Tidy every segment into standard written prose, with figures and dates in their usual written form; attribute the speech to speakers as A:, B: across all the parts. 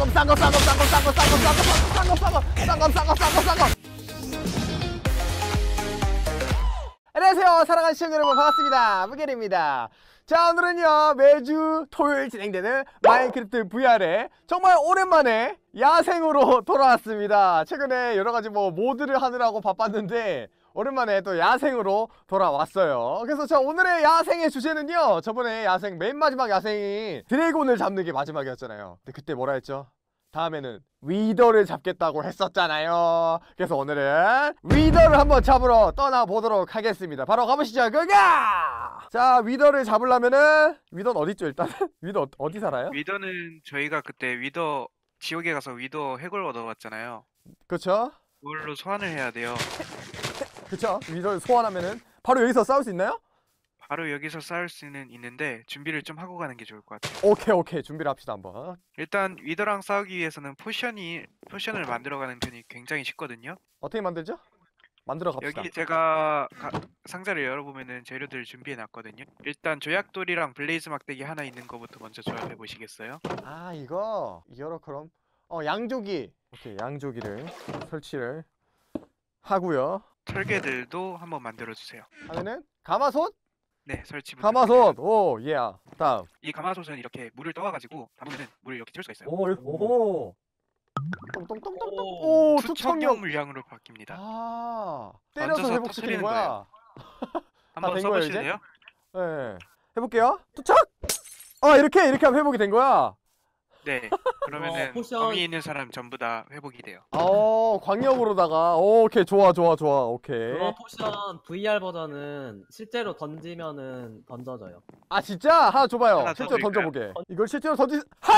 A: 안녕하세요 사랑하는 시청자 여러분, 반갑습니다. 무게리입니다. 자, 오늘은요 매주 토요일 진행되는 마인크래프트 VR에 정말 오랜만에 야생으로 돌아왔습니다. 최근에 여러가지 모드를 하느라고 바빴는데 오랜만에 또 야생으로 돌아왔어요. 그래서 저 오늘의 야생의 주제는요, 저번에 야생 맨 마지막 야생이 드래곤을 잡는 게 마지막이었잖아요. 근데 그때 뭐라 했죠? 다음에는 위더를 잡겠다고 했었잖아요. 그래서 오늘은 위더를 한번 잡으러 떠나보도록 하겠습니다. 바로 가보시죠. 고가! 자, 위더를 잡으려면은 위더는 어딨죠 일단? 위더 어디 살아요?
B: 위더는 저희가 그때 위더 지옥에 가서 위더 핵을 얻어왔잖아요.
A: 그쵸?
B: 그걸로 소환을 해야 돼요.
A: 그쵸? 위더를 소환하면은 바로 여기서 싸울 수 있나요?
B: 바로 여기서 싸울 수는 있는데 준비를 좀 하고 가는 게 좋을 것 같아요.
A: 오케이 준비를 합시다 한번.
B: 일단 위더랑 싸우기 위해서는 포션을 만들어가는 편이 굉장히 쉽거든요.
A: 어떻게 만들죠? 만들어 갑시다.
B: 여기 제가 상자를 열어보면은 재료들 준비해 놨거든요. 일단 조약돌이랑 블레이즈 막대기 하나 있는 거부터 먼저 조합해 보시겠어요?
A: 아, 이거 열어. 그럼 양조기. 오케이, 양조기를 설치를 하고요.
B: 철개들도 한번 만들어 주세요.
A: 하면은 가마솥?
B: 네, 설치
A: 가마솥. 오, 예. 다음.
B: 이 가마솥은 이렇게 물을 떠와가지고 담으면 물을 이렇게 채울 수가 있어요.
A: 오. 똥똥똥똥똥. 오,
B: 투척용 물량으로 바뀝니다.
A: 아, 때려서
B: 던져서
A: 회복시키는
B: 터뜨리는
A: 거야.
B: 한번
A: 된 거예요,
B: 써보실래요?
A: 네. 해볼게요. 투척. 아, 이렇게 하면 회복이 된 거야.
B: 네. 그러면은
C: 포션.
B: 범위 있는 사람 전부 다 회복이 돼요.
A: 광역으로다가. 오케이, 좋아. 오케이.
C: 그거 포션 VR 버전은 실제로 던지면은 던져져요.
A: 아, 진짜? 하나 줘봐요.
B: 하나
A: 실제로
B: 던질까요?
A: 던져보게. 이걸 실제로 핫!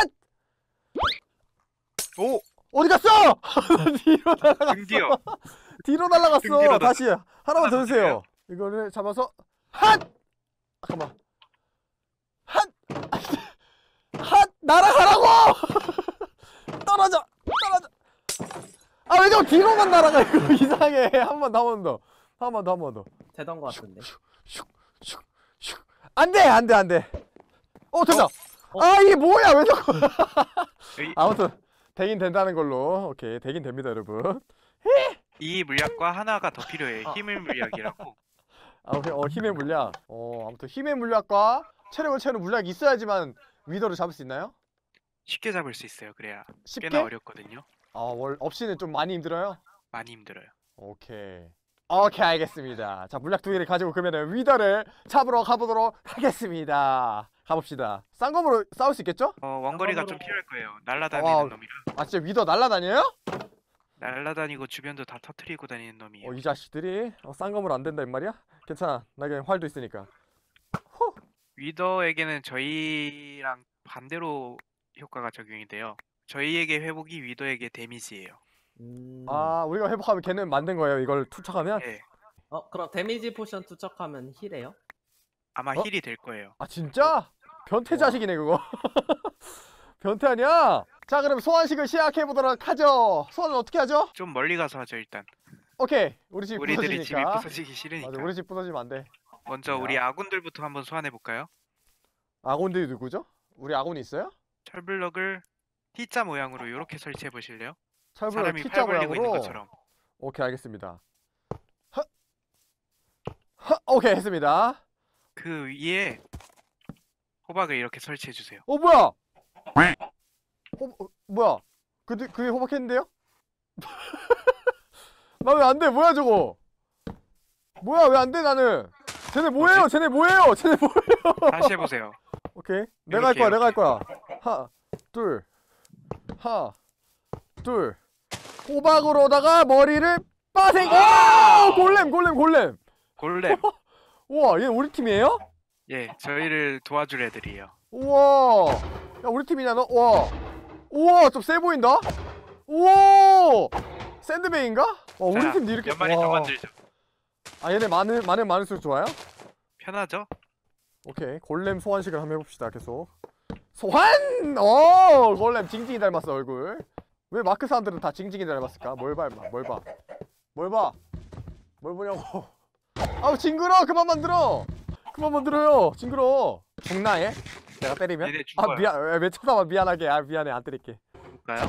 B: 오!
A: 어디 갔어? 뒤로 날아갔어.
B: 등디어.
A: 뒤로 날아갔어.
B: 등뒤로
A: 다시 하나만
B: 하나
A: 더
B: 더
A: 주세요. 이거를 잡아서 핫! 잠깐만. 핫! 핫! 날아가라고! 떨어져. 아, 왜 자꾸 뒤로만 날아가? 이거 이상해. 한 번 더.
C: 되던 것 같은데.
A: 안 돼. 됐다. 아, 이게 뭐야? 왜 자꾸. 아무튼 되긴 된다는 걸로. 오케이, 되긴 됩니다, 여러분.
B: 이 물약과 하나가 더 필요해요. 힘의 물약이라고.
A: 오케이. 힘의 물약. 아무튼 힘의 물약과 체력을 채우는 물약이 있어야지만 위더를 잡을 수 있나요?
B: 쉽게 잡을 수 있어요. 그래야
A: 쉽게?
B: 꽤나 어렵거든요.
A: 없이는 좀 많이 힘들어요?
B: 많이 힘들어요.
A: 오케이, 알겠습니다. 자, 물약 2개를 가지고 그러면은 위더를 잡으러 가보도록 하겠습니다. 가봅시다. 쌍검으로 싸울 수 있겠죠?
B: 원거리가 좀 필요할 거예요. 날라다니는 놈이라.
A: 아, 진짜 위더 날라다녀요?
B: 날라다니고 주변도 다 터트리고 다니는 놈이에요.
A: 이 자식들이 쌍검으로 안 된다 이 말이야? 괜찮아, 나 그냥 활도 있으니까.
B: 위더에게는 저희랑 반대로 효과가 적용이 돼요. 저희에게 회복이 위더에게 데미지예요.
A: 우리가 회복하면 걔는 만든 거예요, 이걸 투척하면?
B: 네.
C: 그럼 데미지 포션 투척하면 힐해요?
B: 아마 힐이 될 거예요.
A: 아, 진짜? 변태 자식이네 그거. 변태 아니야? 자, 그럼 소환식을 시작해보도록 하죠. 소환은 어떻게 하죠?
B: 좀 멀리 가서 하죠 일단.
A: 오케이, 우리 집
B: 우리들이 집이
A: 부서지니까.
B: 부서지기 싫으니까.
A: 맞아, 우리 집 부서지면 안 돼.
B: 먼저 우리 아군들부터 한번 소환해 볼까요?
A: 아군들이 누구죠? 우리 아군이 있어요?
B: 철블럭을 T자 모양으로 이렇게 설치해 보실래요?
A: 철블럭
B: 사람이
A: T자
B: 팔 벌리고 있는
A: 모양으로?
B: 것처럼.
A: 오케이, 알겠습니다. 오케이, 했습니다.
B: 그 위에 호박을 이렇게 설치해 주세요.
A: 뭐야? 뭐야? 그게 호박했는데요? 나 왜 안 돼? 뭐야 저거? 뭐야, 왜 안 돼 나는? 쟤네 뭐예요?
B: 다시 해보세요.
A: 오케이, 내가 할 거야. 하나, 둘. 호박으로다가 머리를 빠생. 골렘.
B: 골렘.
A: 우와, 얘 우리 팀이에요?
B: 예, 저희를 도와줄 애들이에요.
A: 우와, 야, 우리 팀이냐 너? 우와, 좀 세 보인다. 우와, 샌드베이인가? 우리
B: 자,
A: 팀도 이렇게.
B: 몇 마리 더 만들죠.
A: 얘네 많을수록 좋아요?
B: 편하죠?
A: 오케이, 골렘 소환식을 한번 해봅시다. 계속 소환! 골렘 징징이 닮았어 얼굴. 왜 마크 사람들은 다 징징이 닮았을까? 뭘 봐? 뭘 보냐고. 아우, 징그러. 그만 만들어요. 징그러. 죽나 얘? 내가 때리면?
B: 얘네 죽어요.
A: 미안. 왜 쳐다봐. 미안하게. 미안해, 안 때릴게.
B: 해볼까요?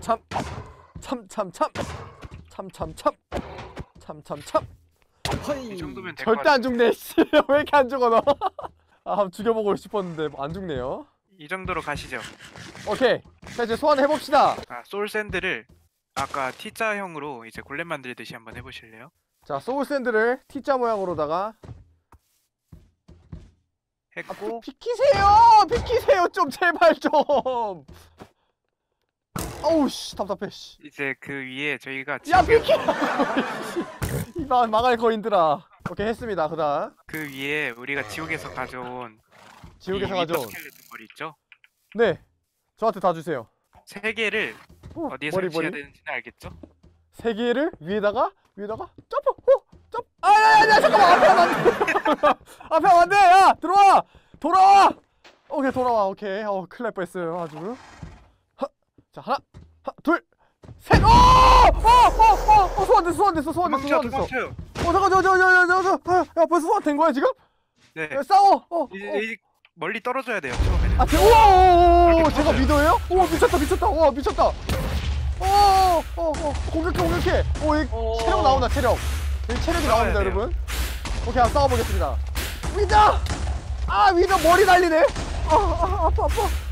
A: 참참참참참참참참참참참
B: 이 정도면 될 것
A: 절대 안
B: 같아요.
A: 죽네. 씨. 왜 이렇게 안 죽어 너? 아, 한번 죽여보고 싶었는데 안 죽네요.
B: 이 정도로 가시죠.
A: 오케이. 자 이제 소환해 봅시다.
B: 소울 샌드를 아까 T자형으로 이제 골렘 만들듯이 한번 해보실래요?
A: 자 소울 샌드를 T자 모양으로다가
B: 했고
A: 비키세요 좀 제발 좀. 어우 씨 답답해 씨.
B: 이제 그 위에 저희가
A: 야
B: 지옥에-
A: 비키. 이봐 망할 거인들아. 오케이 했습니다. 그다음
B: 그 위에 우리가 지옥에서 가져온
A: 지옥에서
B: 이 위더
A: 가져온
B: 스켈레톤 머리 있죠?
A: 네 저한테 다 주세요.
B: 3개를 어디에
A: 머리
B: 설치해야
A: 머리
B: 되는지는 알겠죠?
A: 3개를 위에다가 점프 점프 아야야야 잠깐만 앞에 하면 안돼. 앞에 하면 안돼. 야 들어와 돌아와. 오케이 돌아와. 오케이 큰일 날 뻔했어요 아주. 자 하나 둘셋 소환됐어
B: 도망쳐요.
A: 잠깐 야 벌써 소환된 거야 지금?
B: 네.
A: 야, 싸워
B: 이제 멀리 떨어져야 돼요. 처음에는.
A: 아 우와
B: 이렇게
A: 제가
B: 터져요.
A: 미더예요? 우와 미쳤다 우와 미쳤다 공격해 이 체력 나온다 체력 여기 체력이
B: 싸워야
A: 나옵니다
B: 돼요.
A: 여러분. 오케이 한번 싸워보겠습니다. 위더 머리 날리네. 아파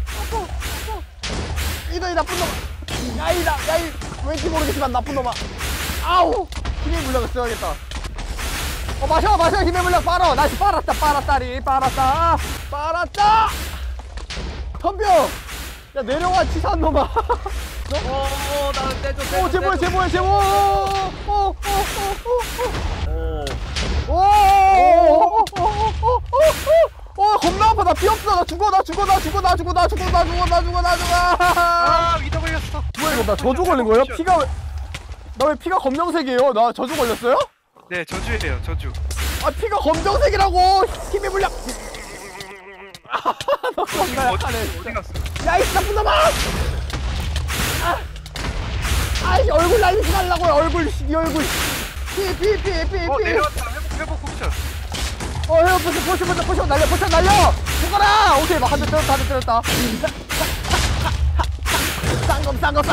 A: 위더 이 나쁜 놈아. 야이 왠지 모르겠지만 나쁜 놈아. 아우 힘의 물약을 써야겠다. 마셔 힘의 물약 빨아. 나이스 빨았다 덤벼. 야 내려와 치사한 놈아.
C: 나를 떼줘.
A: 제보해 겁나 아파. 나 피 없어. 나 죽어.
B: 위더 걸렸어.
A: 뭐야 이거 나 저주 걸린 거예요? 피가 나 왜 피가 검정색이에요? 나 저주 걸렸어요?
B: 네, 저주예요. 저주.
A: 아 피가 검정색이라고. 힘의 물약. 너 겁나 약하네.
B: 어디 갔어?
A: 야이 나쁜 놈아. 아이 얼굴 날리지 말라고요. 얼굴 네 얼굴. 피.
B: 내려왔다. 회복 옵션.
A: 포션 날려. 죽어라. 오케이 한 대 때렸다. 쌍검.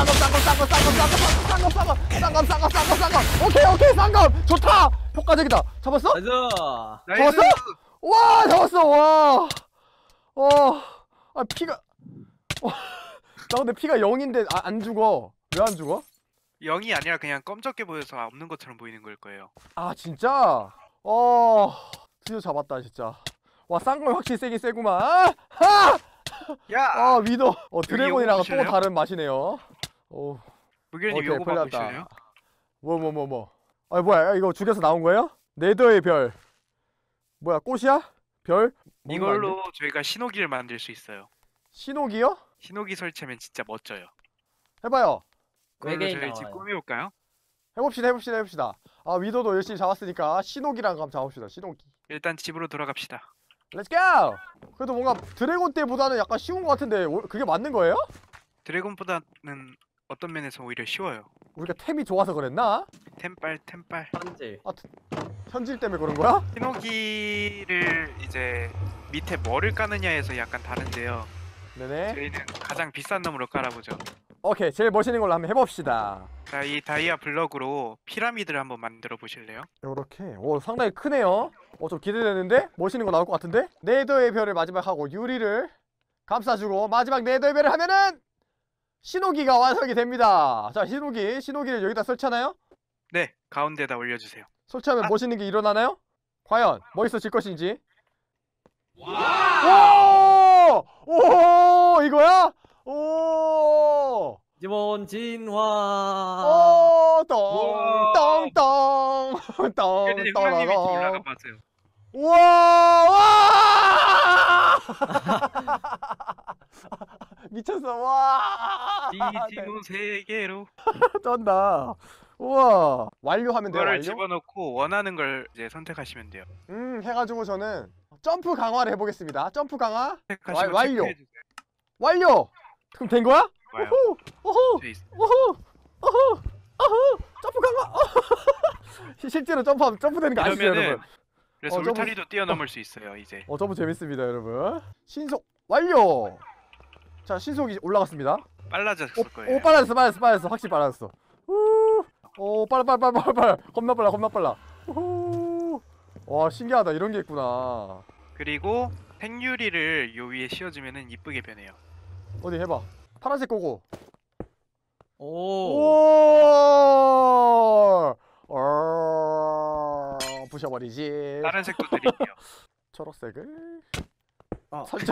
A: 오케이 쌍검. 좋다. 효과적이다. 잡았어?
C: 나이스.
B: 나이스.
A: 와 잡았어. 와. 피가. 나 근데 피가 0인데 안 죽어. 왜 안 죽어?
B: 0이 아니라 그냥 검적게 보여서 없는 것처럼 보이는 걸 거예요.
A: 아 진짜? 드디어 잡았다 진짜. 와 쌍검이 확실히 세긴 세구만.
B: 야!
A: 위더. 드래곤이랑 또
B: 보실래요?
A: 다른 맛이네요.
B: 무결님
A: 오케이,
B: 요거
A: 풀렸다.
B: 봐보실래요?
A: 뭐. 뭐야 이거 죽여서 나온 거예요? 네더의 별. 뭐야 꽃이야? 별? 먹는 거 아닌데?
B: 이걸로 저희가 신호기를 만들 수 있어요.
A: 신호기요?
B: 신호기 설치하면 진짜 멋져요.
A: 해봐요.
B: 그걸로
C: 외계인
B: 저희 집
C: 나와요.
B: 꾸며볼까요?
A: 해봅시다. 위더도 열심히 잡았으니까 신호기랑 한번 잡읍시다. 신호기.
B: 일단 집으로 돌아갑시다.
A: 렛츠 고! 그래도 뭔가 드래곤 때보다는 약간 쉬운 것 같은데 그게 맞는 거예요?
B: 드래곤보다는 어떤 면에서 오히려 쉬워요.
A: 우리가 템이 좋아서 그랬나?
B: 템빨.
C: 현질.
A: 현질 때문에 그런 거야?
B: 신호기를 이제 밑에 뭐를 까느냐에서 약간 다른데요.
A: 네네.
B: 저희는 가장 비싼 놈으로 깔아보죠.
A: 오케이 제일 멋있는 걸로 한번 해봅시다.
B: 자, 이 다이아 블럭으로 피라미드를 한번 만들어 보실래요?
A: 요렇게. 상당히 크네요. 좀 기대되는데? 멋있는 거 나올 것 같은데? 네더의 별을 마지막 하고 유리를 감싸주고 마지막 네더의 별을 하면은 신호기가 완성이 됩니다. 자 신호기를 여기다 설치하나요?
B: 네, 가운데다 올려주세요.
A: 설치하면
B: 아.
A: 멋있는 게 일어나나요? 과연 멋있어질 것인지. 오! 이거야? 오!
C: 기본 진화.
A: 똥똥똥
B: 무결님 형님이 좀 올라가 봤어요.
A: 와! 미쳤어. 와!
B: 디지몬 세계로
A: 쩐다. 우와. 완료하면 돼요.
B: 그거를
A: 완료?
B: 집어넣고 원하는 걸 이제 선택하시면 돼요.
A: 해가지고 저는 점프 강화를 해보겠습니다. 점프 강화
B: 선택하시고
A: 완료.
B: 체크해주세요.
A: 완료. 그럼 된 거야?
B: 좋아요.
A: 오호.
B: 돼 있어요.
A: 오호. 점프 강화. 실제로 점프되는 거 아시죠,
B: 이러면은
A: 여러분?
B: 그래서
A: 점프-
B: 울타리도 뛰어넘을 수 있어요 이제.
A: 점프 재밌습니다, 여러분. 신속 완료. 자 신속이 올라갔습니다.
B: 빨라졌을 거예요.
A: 오 빨라졌어 확실히 빨라졌어. 오 빨라 겁나 빨라. 우. 와 신기하다 이런 게 있구나.
B: 그리고 생유리를 요 위에 씌워주면은 이쁘게 변해요.
A: 어디 해봐. 파란색 거고.
C: 오.
A: 부셔버리지.
B: 다른 색도 드릴게요.
A: 초록색을
C: 아.
A: 살짝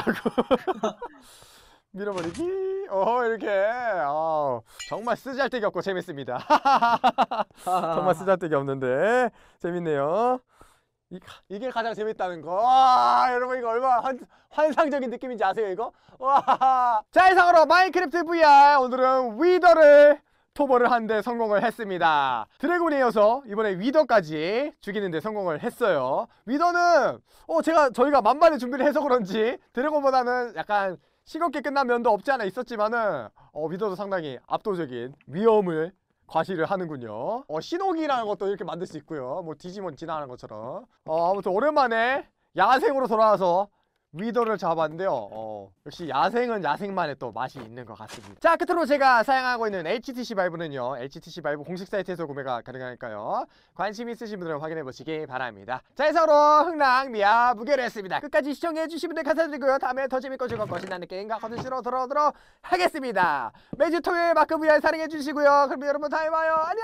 A: 밀어버리기. 이렇게. 정말 쓰잘데기 없고 재밌습니다. 정말 쓰잘데기 없는데 재밌네요. 이게 가장 재밌다는 거. 와, 여러분 이거 얼마나 환상적인 느낌인지 아세요 이거? 와. 자 이상으로 마인크래프트 VR 오늘은 위더를 토벌을 하는데 성공을 했습니다. 드래곤에 이어서 이번에 위더까지 죽이는데 성공을 했어요. 위더는 저희가 만반의 준비를 해서 그런지 드래곤보다는 약간 싱겁게 끝난 면도 없지 않아 있었지만은 위더도 상당히 압도적인 위험을 과시를 하는군요. 신호기라는 것도 이렇게 만들 수 있고요. 뭐 디지몬 지나가는 것처럼. 아무튼 오랜만에 야생으로 돌아와서 위더를 잡았는데요. 역시 야생은 야생만의 또 맛이 있는 것 같습니다. 자 끝으로 제가 사용하고 있는 HTC 바이브는요, HTC 바이브 공식 사이트에서 구매가 가능하니까요. 관심 있으신 분들은 확인해 보시기 바랍니다. 자 이상으로 흥랑미아 무게를 했습니다. 끝까지 시청해 주신 분들 감사드리고요. 다음에 더 재밌고 즐겁고 신나는 게임과 컨텐츠로 돌아오도록 하겠습니다. 매주 토요일 마크 VR 사랑해 주시고요. 그럼 여러분 다음에 봐요. 안녕.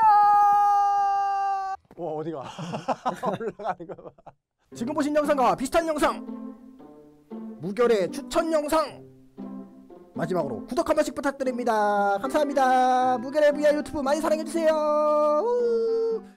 A: 어디가 올라가는 거 봐.
D: 지금 보신 영상과 비슷한 영상 무결의 추천 영상 마지막으로 구독 한 번씩 부탁드립니다. 감사합니다. 무결의 VR 유튜브 많이 사랑해주세요.